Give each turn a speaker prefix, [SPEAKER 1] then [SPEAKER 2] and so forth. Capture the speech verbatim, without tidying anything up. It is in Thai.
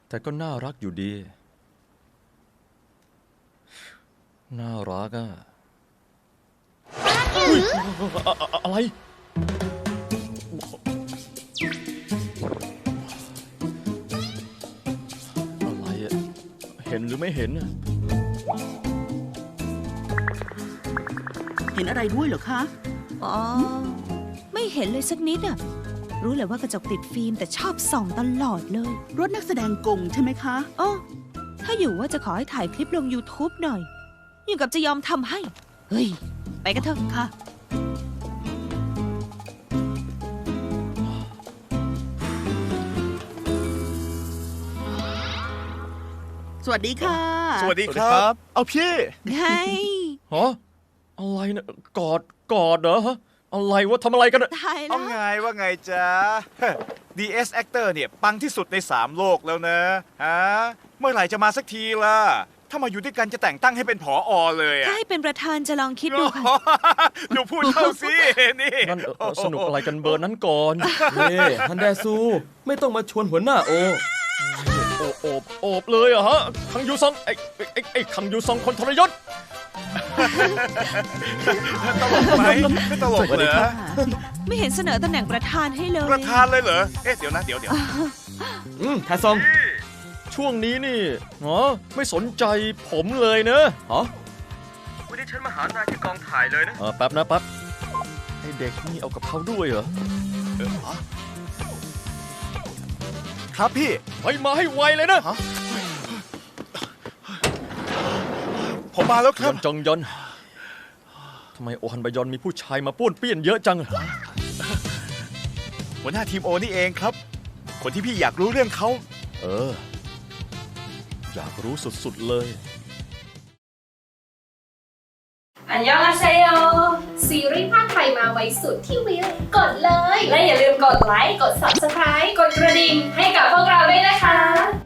[SPEAKER 1] แต่ก็น่ารักอยู่ดีน่ารักอะอุ๊ยอะอะอะไรอะไรอะเห็นหรือไม่เห็นอะ
[SPEAKER 2] เห็นอะไรด้วยเหรอคะ
[SPEAKER 3] อ๋อ ไม่เห็นเลยสักนิดอะรู้เลยว่ากระจกติดฟิล์มแต่ชอบส่องตลอดเลย
[SPEAKER 2] รถนักแสดงกงใช่ไหมคะ
[SPEAKER 3] อ๋อถ้าอยู่ว่าจะขอให้ถ่ายคลิปลง YouTube หน่อยอย่างกับจะยอมทำให้ เฮ้ย ไปกันเถอะ
[SPEAKER 2] ค่ะ สวัสดีค่ะ
[SPEAKER 4] สวัสดีครับ เอาพี่
[SPEAKER 3] ไง
[SPEAKER 1] ฮะอะไรนะกอดกอดเหรอฮะอะไรวะทำอะไรกันอะ
[SPEAKER 3] ตายแล้
[SPEAKER 4] เอา
[SPEAKER 3] ว
[SPEAKER 4] ไงว่าไงจ๊ะ ดี เอส Actor เนี่ยปังที่สุดในสามโลกแล้วนะฮะเมื่อไหร่จะมาสักทีล่ะ ถ้ามาอยู่ด้วยกันจะแต่งตั้งให้เป็นผออเลย
[SPEAKER 3] ถ้า
[SPEAKER 4] อะ
[SPEAKER 3] ให้เป็นประธานจะลองคิดดูค่ะ
[SPEAKER 4] ดูพูดเข้าสินี่
[SPEAKER 1] นั่นเอ่อสนุกอะไรกันเบอร์นั้นก่อน
[SPEAKER 5] เฮ้ฮันแดซูไม่ต้องมาชวนหัวหน้าโอ
[SPEAKER 1] โอบโอบโอบเลยเหรอะฮะคังยูซองไอ้ไอ้ไอ้ไอ้คังยูซองคนทรยศ
[SPEAKER 4] ตลกไหมไม่ตลกเหรอ
[SPEAKER 3] ไม่เห็นเสนอตำแหน่งประธานให้เลย
[SPEAKER 4] ประธานเลยเหรอ เอ๊ะเดี๋ยวนะเดี๋ยวเดี๋ยว
[SPEAKER 5] อืมแทซอง
[SPEAKER 1] ช่วงนี้นี่เหรอไม่สนใจผมเลยเนอะ
[SPEAKER 5] ฮะ
[SPEAKER 1] วันนี้ฉันมาหานายที่กองถ่ายเลยนะเออแป๊บนะแป๊บไอเด็กนี่เอากับเขาด้วยเหรอ
[SPEAKER 4] ครับพี่
[SPEAKER 1] ไปมาให้ไวเลยนะ
[SPEAKER 4] ผมมาแล้วค
[SPEAKER 1] ย
[SPEAKER 4] รับ
[SPEAKER 1] อนจองยอนทำไมโอฮันบยอนมีผู้ชายมาป้วนเปี้ยนเยอะจัง
[SPEAKER 4] หัวหน้าทีมโอนี่เองครับ คนที่พี่อยากรู้เรื่องเขา
[SPEAKER 1] เออ อยากรู้สุดๆเลย
[SPEAKER 6] อันยองอาเซโยซีรีส์ภาคไทยมาไว้สุดที่วิวกดเลย และอย่าลืมกดไลค์ กด ซับสไครบ์ กดกระดิ่งให้กับพวกเราด้วยนะคะ